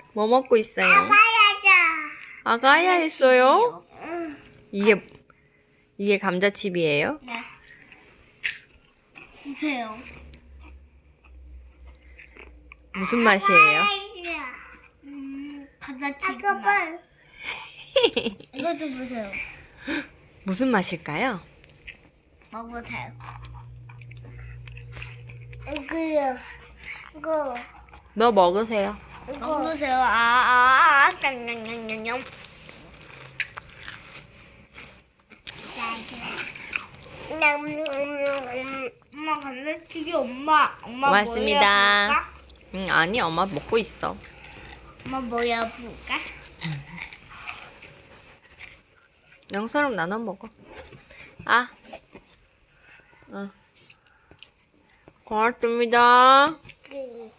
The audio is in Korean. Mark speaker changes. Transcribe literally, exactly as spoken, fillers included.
Speaker 1: 뭐 먹고 있어요? 아가야 했어요? 이게 이게 감자칩이에요?
Speaker 2: 네. 보세요.
Speaker 1: 무슨 맛이에요?
Speaker 2: 음, 감자칩 맛. 이거 좀 보세요.
Speaker 1: 무슨 맛일까요?
Speaker 2: 먹으세요. 이거요. 이거.
Speaker 1: 너 먹으세요.
Speaker 2: 먹으세요. 아, 아, 아, 냠냠냠냠. 엄마 감자튀김 엄마. 엄마
Speaker 1: 고맙습니다.
Speaker 2: 뭐야
Speaker 1: 응, 아니 엄마 먹고 있어.
Speaker 2: 엄마 뭐야 볼까?
Speaker 1: 영서랑 나눠 먹어. 아, 응. 고맙습니다.
Speaker 2: 그.